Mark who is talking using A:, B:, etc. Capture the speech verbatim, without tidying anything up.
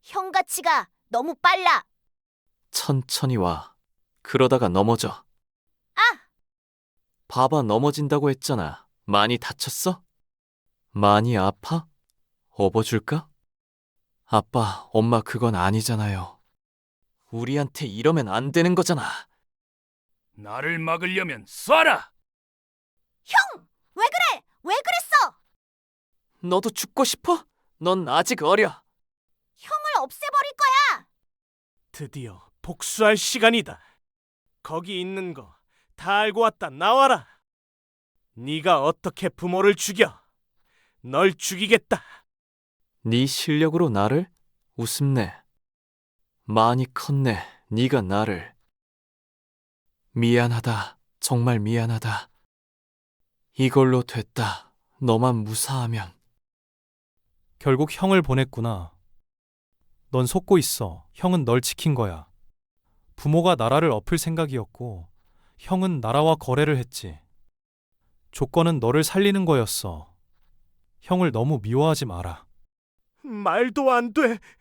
A: 형 가치가 너무 빨라.
B: 천천히 와. 그러다가 넘어져.
A: 아!
B: 봐봐, 넘어진다고 했잖아. 많이 다쳤어? 많이 아파? 업어줄까? 아빠, 엄마 그건 아니잖아요. 우리한테 이러면 안 되는 거잖아.
C: 나를 막으려면 쏴라!
A: 형! 왜 그래? 왜 그랬어?
B: 너도 죽고 싶어? 넌 아직 어려.
A: 형을 없애버릴 거야.
D: 드디어 복수할 시간이다. 거기 있는 거 다 알고 왔다. 나와라. 네가 어떻게 부모를 죽여? 널 죽이겠다.
B: 네 실력으로 나를? 우습네. 많이 컸네, 네가 나를. 미안하다, 정말 미안하다. 이걸로 됐다, 너만 무사하면.
E: 결국 형을 보냈구나. 넌 속고 있어. 형은 널 지킨 거야. 부모가 나라를 엎을 생각이었고, 형은 나라와 거래를 했지. 조건은 너를 살리는 거였어. 형을 너무 미워하지 마라.
D: 말도 안 돼.